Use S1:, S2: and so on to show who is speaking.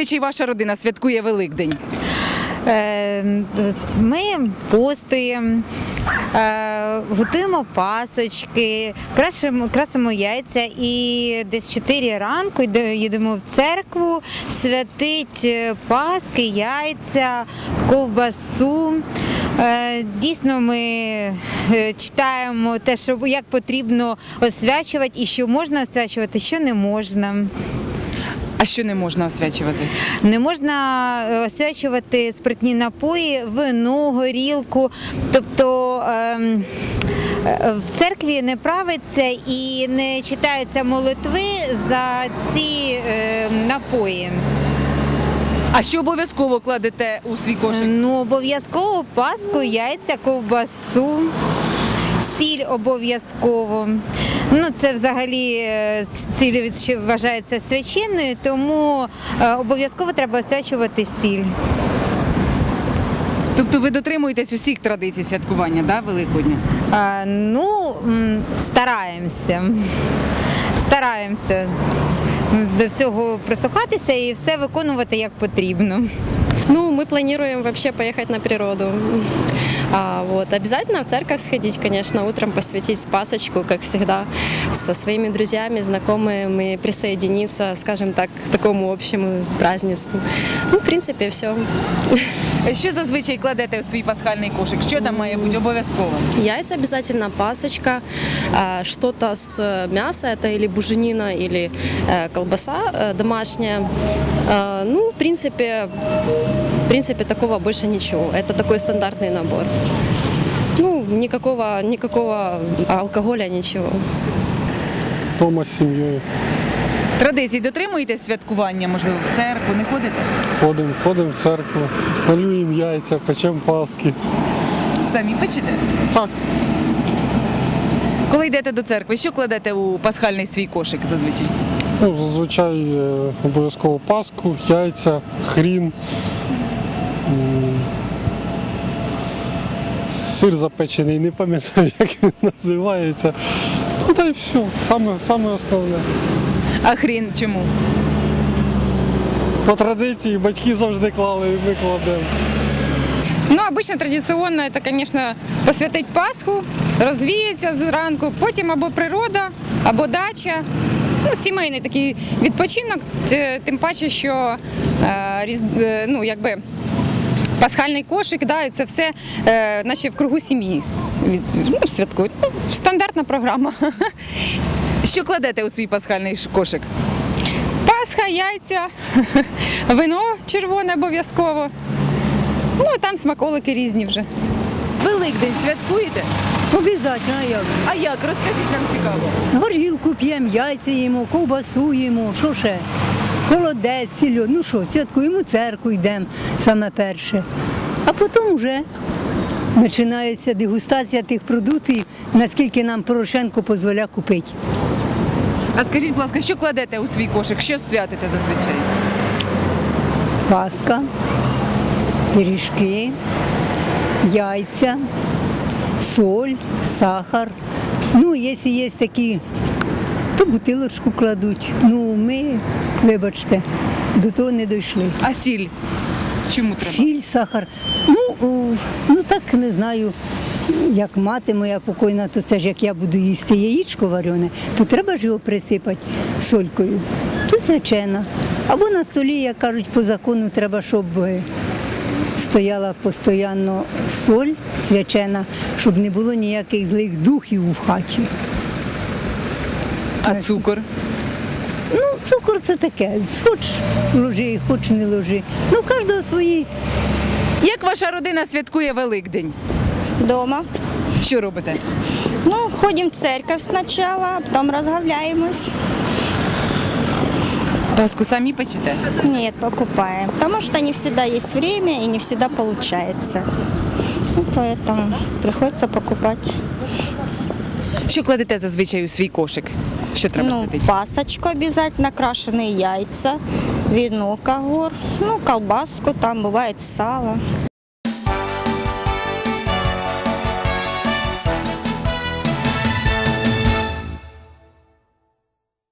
S1: зазвичай ваша родина святкує Великдень?
S2: Ми постуємо, готуємо пасочки, красимо яйця і десь 4 ранку їдемо в церкву святить паски, яйця, ковбасу. Дійсно, ми читаємо те, що як потрібно освячувати і що можна освячувати, що не можна.
S1: А що не можна освячувати?
S2: Не можна освячувати спиртні напої, вино, горілку. Тобто в церкві не правиться і не читаються молитви за ці напої.
S1: А що обов'язково кладете у свій кошик?
S2: Ну, обов'язково паску, яйця, ковбасу, сіль обов'язково. Ну, це взагалі сіль вважається священною, тому обов'язково треба освячувати сіль.
S1: Тобто ви дотримуєтесь усіх традицій святкування, да, Великодня?
S2: Ну, стараємося. Стараємося до всього прислухатися і все виконувати як потрібно.
S3: Ну, мы планируем вообще поехать на природу. Обязательно в церковь сходить, конечно, утром посвятить пасочку, как всегда, со своими друзьями, знакомыми, присоединиться, скажем так, к такому общему празднеству. Ну, в принципе, все.
S1: Що зазвичай кладете у свій пасхальний кошик? Що там має бути обов'язково?
S3: Яйца обязательно, пасочка, что-то с мяса, это или буженина, или колбаса домашняя. Ну, в принципе, такого больше ничего. Это такой стандартный набор. Ну, никакого алкоголя, ничего.
S4: Дома з сім'єю.
S1: Традицій дотримуєтесь святкування, можливо, в церкву, не ходите?
S4: Ходимо в церкву, малюємо яйця, печемо паски.
S1: Самі печете?
S4: Так,
S1: Коли йдете до церкви, що кладете у пасхальний свій кошик зазвичай?
S4: ну, зазвичай обов'язково паску, яйця, хрін, сир запечений, не пам'ятаю, як він називається. Ну, та й все, саме основне.
S1: А хрін чому?
S4: По традиції батьки завжди клали, і ми кладемо.
S5: Ну, обычно традиционно это, конечно, посвятить Пасху, розвіятися зранку, потім або природа, або дача. Ну, сімейний такий відпочинок, тим паче, що пасхальний кошик, да, і це все наче в кругу сім'ї святкують. Ну, стандартна програма.
S1: Що кладете у свій пасхальний кошик?
S5: Пасха, яйця, вино червоне обов'язково. Ну, а там смаколики різні вже.
S1: Великдень святкуєте?
S6: Обязательно, а як?
S1: А як? Розкажіть, нам цікаво.
S6: Горілку п'ємо, яйця їмо, ковбасу їмо, що ще? Холодець, сільо. Ну що, святкуємо, в церкву йдемо саме перше. А потім вже починається дегустація тих продуктів, наскільки нам Порошенко дозволяє купити.
S1: А скажіть, будь ласка, що кладете у свій кошик? Що святите зазвичай?
S6: Паска, пиріжки, яйця, соль, сахар. Ну, якщо є такі, то бутилочку кладуть. Ну, ми, вибачте, до того не дійшли.
S1: А сіль? Чому треба?
S6: Сіль, сахар. Ну так не знаю. Як мати моя покойна, то це ж як я буду їсти яєчко варене, то треба ж його присипати солькою. Тут звичайно. Або на столі, як кажуть, по закону треба, щоб стояла постійно соль свячена, щоб не було ніяких злих духів в хаті.
S1: А цукор?
S6: Ну, цукор це таке. Хоч ложи, хоч не ложи. Ну, в кожного свої.
S1: Як ваша родина святкує Великдень?
S7: Дома.
S1: Що робите?
S7: Ну, ходим в церковь сначала, а потом разговляемся.
S1: Паску самі печете?
S7: Нет, покупаем. Потому что не всегда есть время и не всегда получается. Ну, поэтому приходится покупать.
S1: Що кладете зазвичай у свій кошик? Що треба святити?
S7: Пасочку обязательно, крашеные яйца, вино, когор, ну, колбаску, там бывает сало.